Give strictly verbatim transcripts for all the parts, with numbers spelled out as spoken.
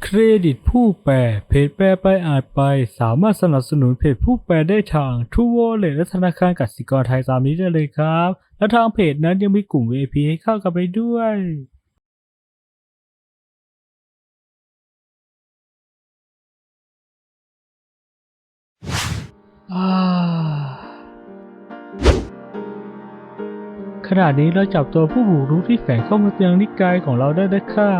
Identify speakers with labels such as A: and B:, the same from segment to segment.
A: เครดิตผู้แปลเพจแปลไปอ่านไปสามารถสนับสนุนเพจผู้แปลได้ทาง True Wallet และธนาคารกสิกรไทยตามนี้ได้เลยครับ และทางเพจนั้นยังมีกลุ่ม วี ไอ พี ให้เข้ากันไปด้วยอ่าขณะนี้เราจับตัวผู้บุกรุกที่แฝงเข้ามายังนิกายของเราได้แล้วค่ะ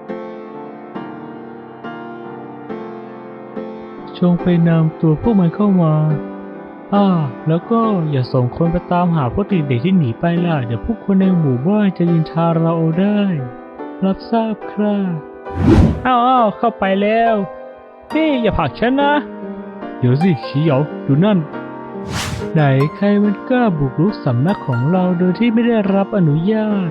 A: จงไปนำตัวพวกมันเข้ามา อ่า แล้วก็อย่าส่งคนไปตามหาพวกเด็กๆที่หนีไปล่ะ เดี๋ยวพวกคนในหมู่บ้านจะยินทาเราเอาได้ รับทราบครับอ้าวเข้าไปแล้วนี่อย่าผลักฉันนะ เดี๋ยวสิชี้เหยาดูนั่น ไหนใครมันกล้าบุกรุกสำนักของเราโดยที่ไม่ได้รับอนุญาต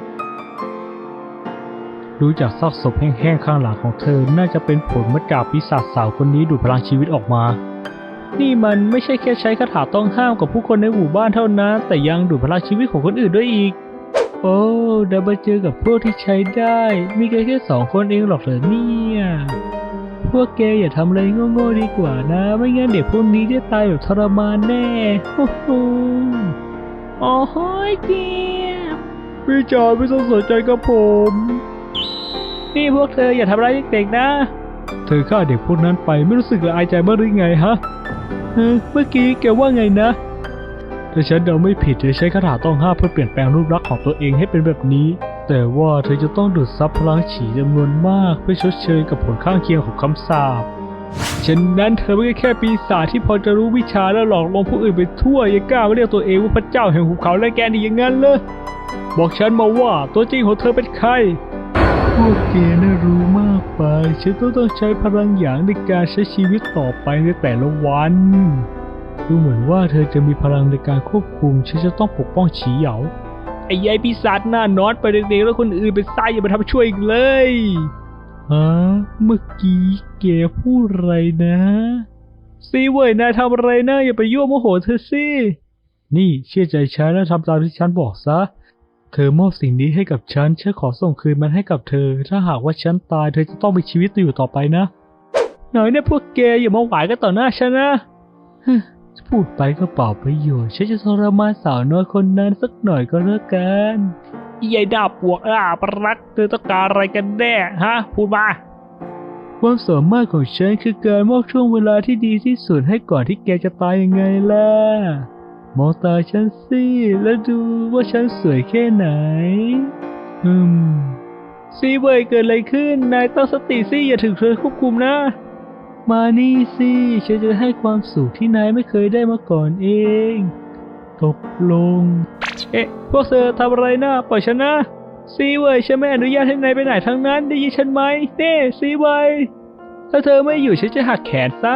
A: ดูจากซากศพแห้งๆข้างหลังของเธอ น่าจะเป็นผลมาจากปีศาจสาวคนนี้ดูดพลังชีวิตออกมา นี่มันไม่ใช่แค่ใช้คาถาต้องห้ามกับผู้คนในหมู่บ้านเท่านั้น แต่ยังดูดพลังชีวิตของคนอื่นด้วยอีก โอ้ได้มาเจอกับพวกที่ใช้ได้ มีแค่แค่สองคนเองหรอกเหรอเนี่ย พวกแกอย่าทำอะไรโง่ๆดีกว่านะ ไม่งั้นเด็กพวกนี้จะตายแบบทรมานแน่โอ้โหโอ้โหเจี๊ยบพี่จอยไม่ต้องสนใจกับผม นี่พวกเธออย่าทำร้ายเด็กๆนะ เธอฆ่าเด็กพวกนั้นไปไม่รู้สึกละอายใจบ้างหรือไงฮะเฮ้ยเมื่อกี้แกว่าไงนะถ้าฉันเดาไม่ผิดเธอใช้คาถาต้องห้ามเพื่อเปลี่ยนแปลงรูปลักษณ์ของตัวเองให้เป็นแบบนี้ แต่ว่าเธอจะต้องดูดซับพลังฉีจำนวนมากเพื่อชดเชยกับผลข้างเคียงของคำสาปฉะนั้นเธอไม่ใช่แค่ปีศาจที่พอจะรู้วิชาและหลอกลวงผู้อื่นไปทั่วยังกล้ามาเรียกตัวเองว่าพระเจ้าแห่งหุบเขาและแกนี่อย่างนั้นเลยบอกฉันมาว่าตัวจริงของเธอเป็นใครพวกแกน่ารู้มากไปฉันต้องต้องใช้พลังหยางในการใช้ชีวิตต่อไปในแต่ละวันดูเหมือนว่าเธอจะมีพลังในการควบคุมฉันจะต้องปกป้องฉีเหยาไอ้ยัยปีศาจหน้านอนไปเด็กๆแล้วคนอื่นไปซ้ายอย่ามาทำช่วยอีกเลยฮะเมื่อกี้แกพูดอะไรนะซีเว่ยนายทำอะไรนะอย่าไปยั่วโมโหเธอสินี่เชื่อใจฉันแล้วทำตามที่ฉันบอกซะเธอมอบสิ่งนี้ให้กับฉันฉันขอส่งคืนมันให้กับเธอถ้าหากว่าฉันตายเธอจะต้องมีชีวิตอยู่ต่อไปนะหน่อยเนี่ยพวกแกอย่ามาหวายกันต่อหน้าฉันนะพูดไปก็เปล่าประโยชน์ฉันจะทรมานสาวน้อยคนนั้นสักหน่อยก็แล้วกันยายดาบปวกอ่าปรักเธอต้องการอะไรกันแน่ฮะพูดมาความสามารถของฉันคือการมอบช่วงเวลาที่ดีที่สุดให้ก่อนที่แกจะตายยังไงล่ะมองตาฉันสิแล้วดูว่าฉันสวยแค่ไหนอืมซีเว่ยเกิดอะไรขึ้นนายตั้งสติสิอย่าถึงเธอควบคุมนะมานี่สิฉันจะให้ความสุขที่นายไม่เคยได้มาก่อนเองตกลงเอ๊ะพวกเธอทำอะไรนะปล่อยฉันนะซีเว่ยฉันไม่อนุญาตให้นายไปไหนทั้งนั้นได้ยินฉันไหมเน่ซีเว่ยถ้าเธอไม่อยู่ฉันจะหักแขนซะ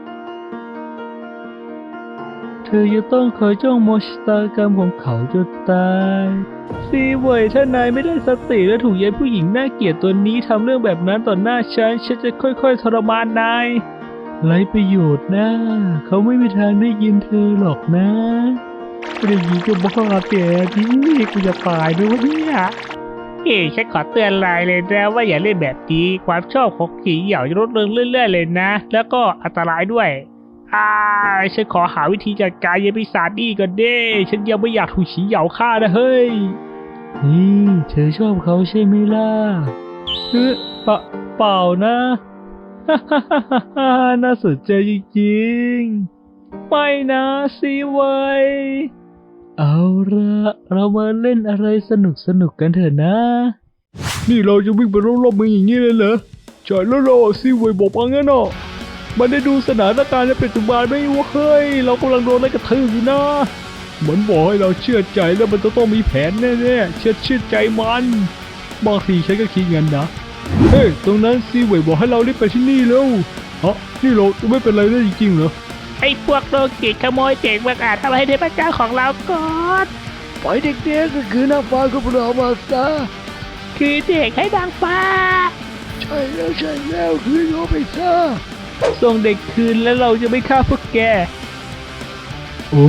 A: เธอจะต้องคอยจ้องมองชะตากรรมของเขาจนตายซีเว่ยถ้านายไม่ได้สติและถูกยายผู้หญิงน่าเกลียดตัวนี้ทำเรื่องแบบนั้นต่อหน้าฉันฉันจะค่อยๆทรมานนายไร้ประโยชน์นะเขาไม่มีทางได้ยินเธอหรอกนะไม่ได้ยินก็บ้าแกที่กูจะตายด้วยเนี่ยเฮ้ฉันขอเตือนนายเลยนะว่าอย่าเล่นแบบนี้ความชอบของขี่เหยาจะลดลงเรื่อยๆเลยนะแล้วก็อันตรายด้วยอ่าฉันขอหาวิธีจัดการยายปีศาจนี่ก่อนเด้ฉันยังไม่อยากถูกฉีเหยาฆ่านะเฮ้ยนี่เธอชอบเขาใช่ไหมล่ะเออเปล่าเปล่านะฮ่าฮ่าฮ่าฮ่าน่าสนใจจริงๆไม่นะซีไว้เอาละเรามาเล่นอะไรสนุกสนุกกันเถอะนะนี่เราจะวิ่งไปรอบๆเมืองอย่างนี้เลยเหรอใช่แล้วเราซีไว้บอกว่างั้นเนาะมันได้ดูสถานการณ์ในปัจจุบันไม่ว่าเฮ้ยเรากำลังโดนอะไรกระทืบอยู่นะเหมือนบอกให้เราเชื่อใจแล้วมันจะต้องมีแผนแน่ๆเชื่อเชื่อใจมันบางทีฉันก็คิดงั้นนะเฮ้ยตรงนั้นซีเว่ยบอกให้เรารีบไปที่นี่แล้วฮะนี่เราจะไม่เป็นไรได้จริงๆเหรอไอ้พวกโรคจิตขโมยเด็กมาอาจทำให้เทพเจ้าของเราก่อนปล่อยเด็กๆก็คือนางฟ้าของเรามาซะคือเด็กให้นางฟ้าใช่แล้วใช่แล้วคือโยไปซะส่งเด็กคืนแล้วเราจะไม่ฆ่าพวกแกโอ้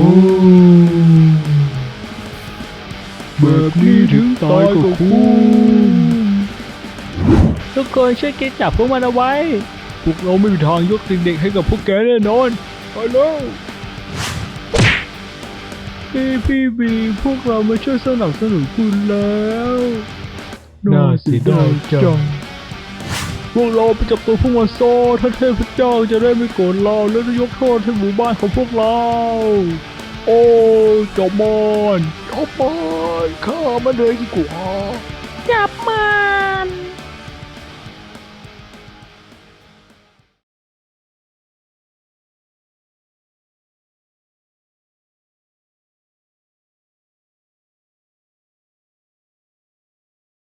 A: แบบนี้ถึงตายก็คุ้มทุกคนช่วยกันจับพวกมันเอาไว้พวกเราไม่มีทางยกเด็กๆให้กับพวกแกแน่นอนไปแล้วพี่พี่บีพวกเรามาช่วยสนับสนุนคุณแล้วน่าเสียดายจังพวกเราไปจับตัวพวกมันโซ่ท่านเทพเจ้าจะได้ไม่โกรธเราและจะยกโทษให้หมู่บ้านของพวกเราโอ้จอบมันจอบมันข้ามันเลยดีกว่าจับมั